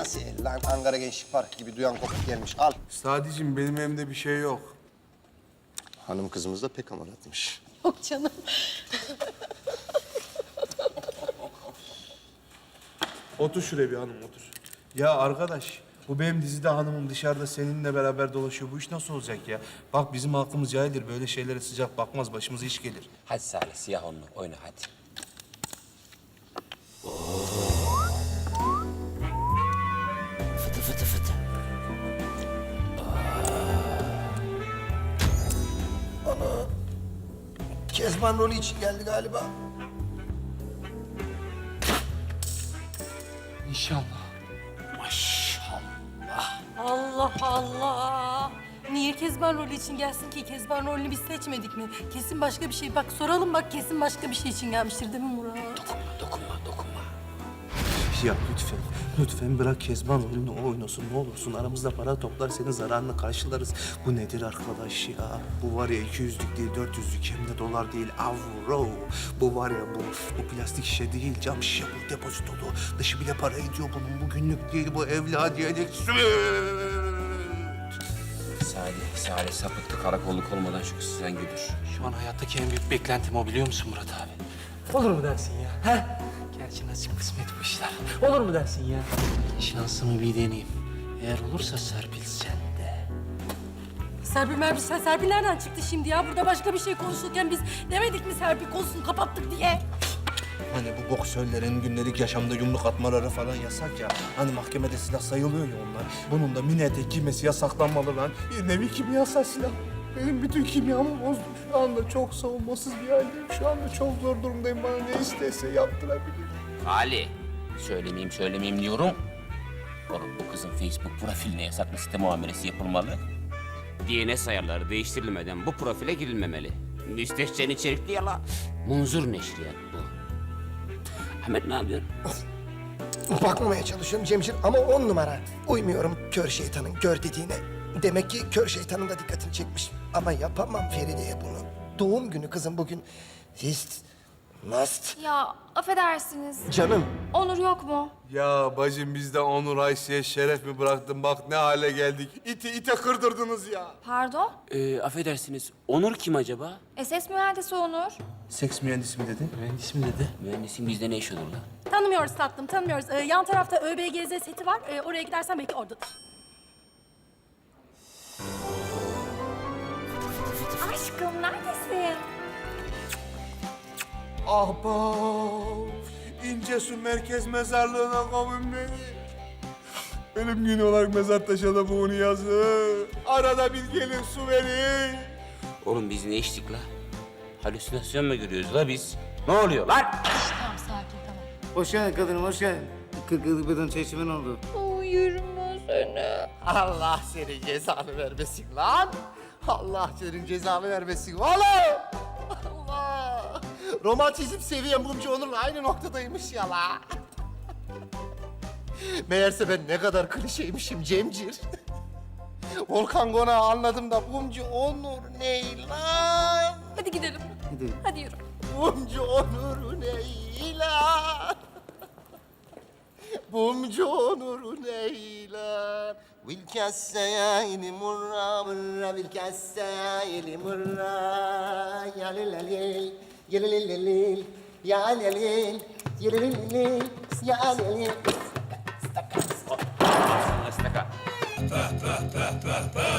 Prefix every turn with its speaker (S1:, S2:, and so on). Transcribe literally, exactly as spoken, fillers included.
S1: Nasıl el lan? Ankara Gençlik Parkı gibi duyan kopuk gelmiş. Al.
S2: Sadicim benim evimde bir şey yok.
S1: Hanım kızımız da pek amaratmış.
S3: Yok canım.
S2: Otur şuraya bir hanım otur. Ya arkadaş bu benim dizide hanımım dışarıda seninle beraber dolaşıyor. Bu iş nasıl olacak ya? Bak bizim halkımız cahildir. Böyle şeylere sıcak bakmaz. Başımıza iş gelir.
S4: Hadi Salih, siyah onlu. Oyna hadi. Fıtı fıtı fıtı.
S1: Kezban rolü için geldi galiba.
S2: İnşallah.
S3: Allah Allah. Niye Kezban rolü için gelsin ki? Kezban rolünü biz seçmedik mi? Kesin başka bir şey. Bak soralım bak kesin başka bir şey için gelmiştir değil mi Murat?
S4: Dokunma, dokunma, dokunma.
S2: Ya lütfen, lütfen bırak Kezban oyununu o oynasın. Ne olursun aramızda para toplar senin zararını karşılarız. Bu nedir arkadaş ya? Bu var ya iki yüzlük değil dört yüzlük hem de dolar değil avro. Bu var ya bu, bu plastik şişe değil cam şişe bu depozitolu. Dışı bile para ediyor bunun. Bu günlük değil bu evladiyelik.
S4: Salih, Salih sapıttı. Karakolluk olmadan şu kızı sen güdür.
S5: Şu an hayattaki en büyük beklentim o biliyor musun Murat abi? Olur mu dersin ya? He? Gerçi nasip kısmet bu işler. Olur mu dersin ya? Şansımı bir deneyeyim. Eğer olursa Serpil sen de.
S3: Serpil Merpil, sen Serpil nereden çıktı şimdi ya? Burada başka bir şey konuşurken biz demedik mi Serpil konusunu kapattık diye?
S2: Hani bu boksörlerin gündelik yaşamda yumruk atmaları falan yasak ya. Hani mahkemede silah sayılıyor ya onlar. Bunun da mini etek giymesi yasaklanmalı lan. Bir nevi kimyasal silah. Benim bütün kimyamı bozdu. Şu anda çok savunmasız bir haldeyim. Şu anda çok zor durumdayım. Bana ne istese yaptırabilir.
S4: Ali, söylemeyeyim söylemeyeyim diyorum. Oğlum bu kızın Facebook profiline yasaklı site muamelesi yapılmalı. D N S ayarları değiştirilmeden bu profile girilmemeli. Müstehcen içerikli yala. Munzur neşriyat bu. Ahmet ne yapıyorsun?
S1: Bakmamaya çalışıyorum Cemcir ama on numara. Uymuyorum kör şeytanın gör dediğine. Demek ki kör şeytanın da dikkatini çekmiş. Ama yapamam Feride'ye bunu. Doğum günü kızım bugün. Hist, must.
S6: Ya affedersiniz.
S1: Canım.
S6: Onur yok mu?
S2: Ya bacım biz de Onur Ayşe'ye şeref mi bıraktın? Bak ne hale geldik. İti ite kırdırdınız ya.
S6: Pardon?
S4: Ee, affedersiniz, Onur kim acaba?
S6: S S mühendisi Onur.
S2: Seks mühendisi mi dedin?
S5: Mühendis mi dedi?
S4: Mühendisin bizde ne iş olur lan?
S3: Tanımıyoruz tatlım, tanımıyoruz. Ee, yan tarafta ÖBGZ seti var. Ee, oraya gidersen belki oradadır.
S6: Aşkım neredesin?
S2: Ahbap, İncesu Merkez Mezarlığı'na kavun beni. Ölüm günü olarak mezar taşına bunu yazın. Arada bir gelin su verin.
S4: Oğlum biz ne içtik la? Halüsinasyon mu görüyoruz la biz? Ne oluyor lan?
S3: Tamam, sakin, tamam.
S7: Hoş geldin kadınım, hoş geldin. Kırk yıllık beden çeşimin oldu.
S1: Allah senin cezanı vermesin lan. Allah senin cezanı vermesin. Vallahi. Allah. Romantizm seviyem Mumcu Onur'la aynı noktadaymış ya la. Meğerse ben ne kadar klişeymişim Cemcir. Volkan Konağı anladım da Mumcu Onur ne lan?
S3: Hadi gidelim.
S7: Hadi.
S3: Hadi yürü.
S1: Mumcu Onur ne lan? Mumcu Onur ne lan? Vilkesseyni murra murra vilkesseyni murra ya lelelil ya lelelil ya lelelil ya lelelil ya lelelil.
S4: Astaka.